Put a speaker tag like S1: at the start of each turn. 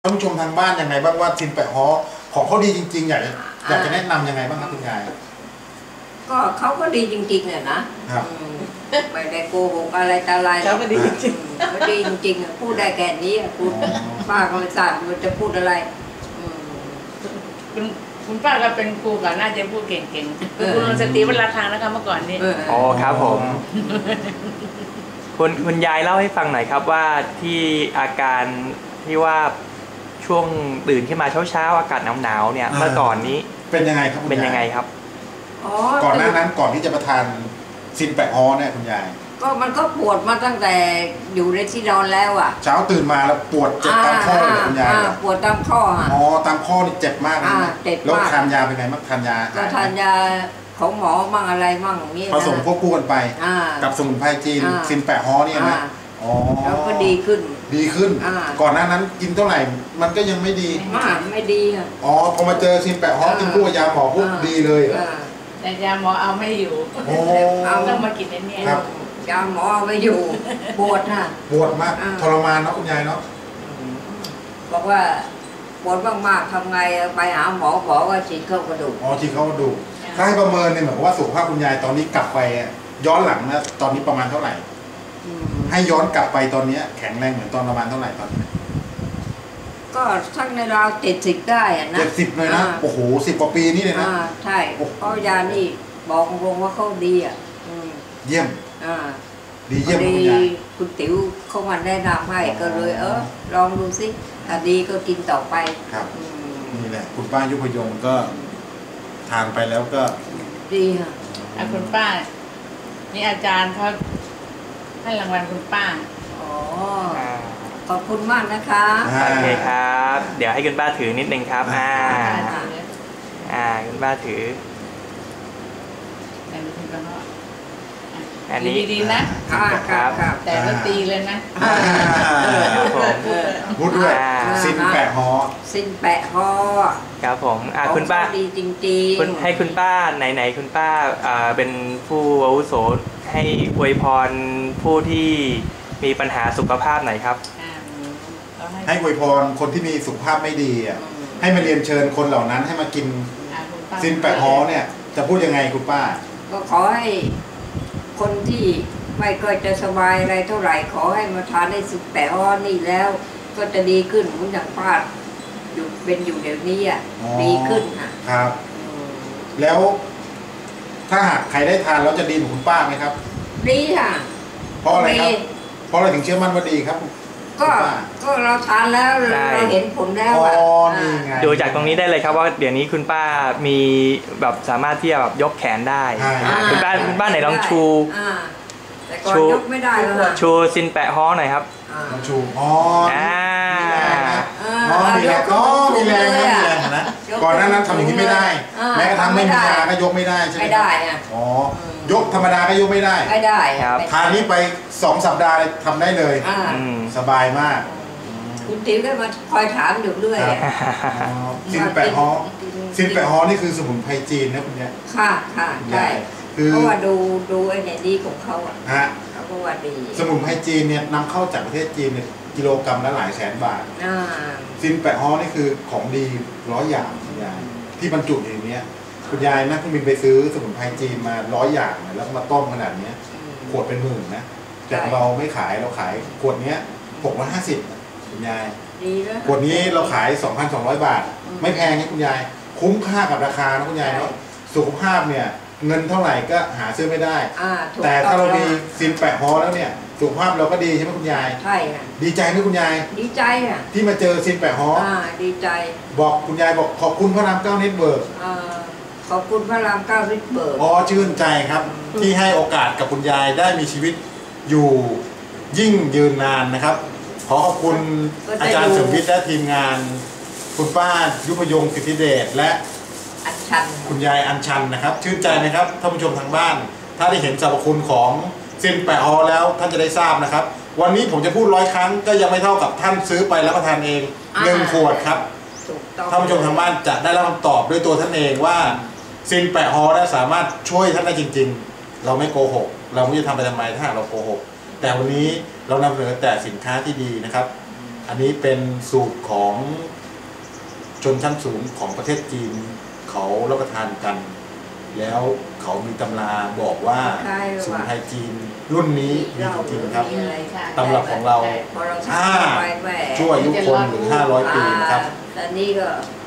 S1: ท่านผู้ชมทางบ้านยังไงบ้างว่าซินแปะฮ้อของเขาดีจริงๆอยากจะแนะนำยังไงบ้างครับคุณยาย
S2: ก็เขาก็ดีจริงๆเนี่ยนะครับไม่ได้โกหกอะไรแต่อะไร
S3: เขาก็ดีจริง
S2: เขาดีจริงๆพูดได้แค่นี้คุณป้าก็ไม่ทราบมันจะพูดอะไร
S3: คุณป้าก็เป็นครูก่อนน่าจะพูดเก่งๆคุณสตรีวราคานะคะเมื่อก่อนนี้
S4: อ๋อครับผมคุณยายเล่าให้ฟังหน่อยครับว่าที่อาการที่ว่าช่วงตื่นขึ้นมาเช้าอากาศหนาวเนี่ยเมื่อก่อนนี้
S1: เป็นยังไงครับ
S4: เป็นยังไงครับ
S1: ก่อนหน้านั้นก่อนที่จะประทานซินแปะฮ้อเนี่ยคุณยาย
S2: ก็มันก็ปวดมาตั้งแต่อยู่ในที่นอนแล้วอ่ะ
S1: เช้าตื่นมาแล้วปวดเจ็บตามข้อเลยคุณยาย
S2: ปวดตามข้อ
S1: อ๋อตามข้อนี่เจ็บมากเลยแล้วทานยาเป็นไงบ้างทานยา
S2: ก็ทานยาของหมอมั่งอะไรมั่งนี่
S1: ผสมควบคู่กันไปกับสมุนไพรจีนซินแปะฮ้อนี่นะ
S2: แล้วก็ดีขึ้น
S1: ก่อนหน้านั้นกินเท่าไหร่มันก็ยังไม่ดี
S2: ไม่ดีอ่ะ
S1: พอมาเจอซินแปะฮ้อกินคู่กับยาหมอปุ๊บดีเลย
S3: แต่ยาหมอเอาไม่อยู่เอาต้องมากินเนี่ย
S2: ยาหมอเอาไม่อยู่ปวดค่ะ
S1: ปวดมากทรมานเนาะคุณยายเนาะ
S2: บอกว่าปวดมากๆทำไงไปหาหมอว่าฉีดเข้ากระดูก
S1: ฉีดเข้ากระดูกถ้าให้ประเมินเนี่ยเหมือนว่าสุขภาพคุณยายตอนนี้กลับไปย้อนหลังนะตอนนี้ประมาณเท่าไหร่ให้ย้อนกลับไปตอนนี้แข็งแรงเหมือนตอนประมาณเท่าไหร่ตอนนี้
S2: ก็ทั้งในราว70ได้นะ
S1: 70เลยนะโอ้โห10 กว่าปีนี่เลยนะ
S2: ใช่เพราะยานี่บอกตรงว่าเขาดีอ่ะ
S1: เยี่ยมดีเยี่ยม
S2: คุณติ๋วเขามาแนะนำให้ก็เลยลองดูสิถ้าดีก็กินต่อไป
S1: ครับนี่แหละคุณป้ายุพยงก็ทานไปแล้วก็
S2: ดีค่ะ
S3: คุณป้านี่อาจารย์เขาให้รางวัลคุณป้า
S2: ขอบคุณมากนะคะ
S4: โอเคครับเดี๋ยวให้คุณป้าถือนิดนึงครับคุณป้าถือ
S3: อันนี้ดีๆนะครับแต่ก็ตีเลยนะ
S1: พูดด้วยซินแปะฮ้
S2: อ
S4: ครับผมคุณป้า
S2: ดีจริง
S4: ๆให้คุณป้าไหนคุณป้าเป็นผู้อาวุโสให้อวยพรผู้ที่มีปัญหาสุขภาพหน่อยครับ
S1: ให้อวยพรคนที่มีสุขภาพไม่ดีให้มาเรียนเชิญคนเหล่านั้นให้มากินซินแปะฮ้อเนี่ยจะพูดยังไงคุณป้า
S2: ก็ขอให้คนที่ไม่ค่อยจะสบายอะไรเท่าไหร่ขอให้มาทานได้ซินแปะฮ้อนี่แล้วก็จะดีขึ้นเหมือนอย่างป้าเป็นอยู่เดี๋ยวนี้ดีขึ้น
S1: ครับแล้วถ้าหากใครได้ทานแล้วจะดีเหมือนคุณป้าไหมครับ
S2: ดีค่ะ
S1: เพราะอะไรครับเพราะอะไรถึงเชื่อมั่นว่าดีครับ
S2: ก็เราทานแล้วเราเห็นผลแล้ว
S4: ดูจากตรงนี้ได้เลยครับว่าเดี๋ยวนี้คุณป้ามีแบบสามารถที่จะแบบยกแขนได้คุณป้าไหนลองชูซินแปะฮ้อหน่อยครับ
S1: ชูมีแรงมีแรงนะก่อนหน้านั้นทำอย่างนี้ไม่ได้แม้กระทั่งไม่มียาก็ยกไม่ได้ใช่ไหม
S2: ไม่ได้
S1: ยกธรรมดาก็ยกไม่ได้
S2: ครับ
S1: ทานนี้ไป2 สัปดาห์ทำได้เลยสบายมาก
S2: คุณติ๋วก็มาคอยถามอยู่เรื่อย
S1: ซินแปะฮ้อนี่คือสมุนไพรจีนนะคุณยาย
S2: ค่ะใช่เพราะว่าดูไอ้เนี่ยดีของเขาเขาก็ว่าดี
S1: สมุนไพรจีนเนี่ยนำเข้าจากประเทศจีนเนี่ยกิโลกรัมละหลายแสนบาทซินแปะฮ้อนี่คือของดี100 อย่างคุณยายที่บรรจุอย่างนี้คุณยายนักบินไปซื้อสมุนไพรจีนมา100 อย่างแล้วก็มาต้มขนาดนี้ขวดเป็นหมื่นนะแต่เราไม่ขายเราขายขวดนี้650คุณยายขวดนี้เราขาย 2,200 บาทไม่แพงนะคุณยายคุ้มค่ากับราคานะคุณยายเนาะสุขภาพเนี่ยเงินเท่าไหร่ก็หาซื้อไม่ได้แต่ถ้าเรามีซินแปะฮ้อแล้วเนี่ยสุขภาพเราก็ดีใช่ไหมคุณยาย
S2: ใช่ค่ะ
S1: ดีใจไหมคุณยาย
S2: ดีใจ
S1: ที่มาเจอซินแปะฮ้อ
S2: ดีใจ
S1: บอกคุณยายบอกขอบคุณพระราม 9เน็ตเวิร์ก
S2: ขอบคุณพระราม 9เน็ตเวิร์ก
S1: ชื่นใจครับที่ให้โอกาสกับคุณยายได้มีชีวิตอยู่ยิ่งยืนนานนะครับขอขอบคุณอาจารย์สุวิทย์และทีมงานคุณป้ายุพยง สิทธิเดชและคุณยายอัญชันนะครับชื่นใจนะครับท่านผู้ชมทางบ้านถ้าได้เห็นสรรพคุณของซินแปะฮ้อแล้วท่านจะได้ทราบนะครับวันนี้ผมจะพูด100 ครั้งก็ยังไม่เท่ากับท่านซื้อไปแล้วประทานเอง1 ขวดครับท่านผู้ชมทางบ้านจะได้รับคำตอบด้วยตัวท่านเองว่าซินแปะฮ้อสามารถช่วยท่านได้จริงๆเราไม่โกหกเราไม่จะทำไปทำไมถ้าเราโกหกแต่วันนี้เรานำเสนอแต่สินค้าที่ดีนะครับอันนี้เป็นสูตรของชนชั้นสูงของประเทศจีนเขารับประทานกัน แล้วเขามีตำราบอกว่า
S2: ใช่
S1: สมุน
S2: ว่ะ
S1: ไพรจีนรุ่นนี้ดีจริงๆครับ
S2: มีอะไร
S1: ตำรับของเรา
S2: พอเรา
S1: ถ้า
S2: ทำไปแหม
S1: ช่วยอายุคนถึง500 ปีนะครับ
S2: แต่นี่ก็